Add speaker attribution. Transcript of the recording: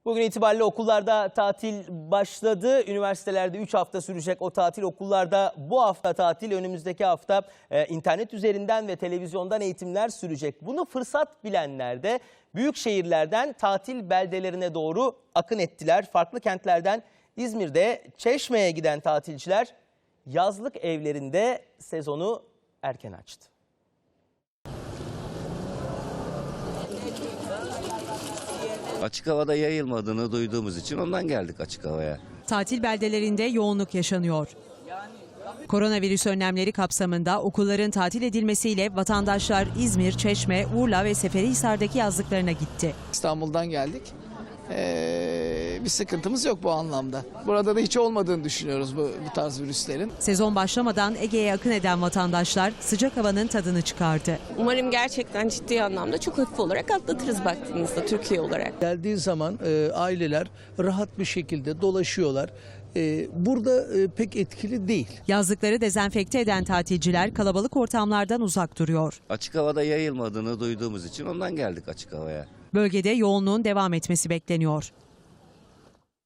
Speaker 1: Bugün itibariyle okullarda tatil başladı. Üniversitelerde 3 hafta sürecek o tatil, okullarda bu hafta tatil, önümüzdeki hafta internet üzerinden ve televizyondan eğitimler sürecek. Bunu fırsat bilenler de büyük şehirlerden tatil beldelerine doğru akın ettiler. Farklı kentlerden İzmir'de Çeşme'ye giden tatilciler yazlık evlerinde sezonu erken açtı.
Speaker 2: Açık havada yayılmadığını duyduğumuz için ondan geldik açık havaya.
Speaker 3: Tatil beldelerinde yoğunluk yaşanıyor. Koronavirüs önlemleri kapsamında okulların tatil edilmesiyle vatandaşlar İzmir, Çeşme, Urla ve Seferihisar'daki yazlıklarına gitti.
Speaker 4: İstanbul'dan geldik. Bir sıkıntımız yok bu anlamda. Burada da hiç olmadığını düşünüyoruz bu tarz virüslerin.
Speaker 3: Sezon başlamadan Ege'ye akın eden vatandaşlar sıcak havanın tadını çıkardı.
Speaker 5: Umarım gerçekten ciddi anlamda çok hafif olarak atlatırız baktığımızda Türkiye olarak.
Speaker 6: Geldiği zaman aileler rahat bir şekilde dolaşıyorlar. Burada pek etkili değil.
Speaker 3: Yazlıkları dezenfekte eden tatilciler kalabalık ortamlardan uzak duruyor.
Speaker 2: Açık havada yayılmadığını duyduğumuz için ondan geldik açık havaya.
Speaker 3: Bölgede yoğunluğun devam etmesi bekleniyor.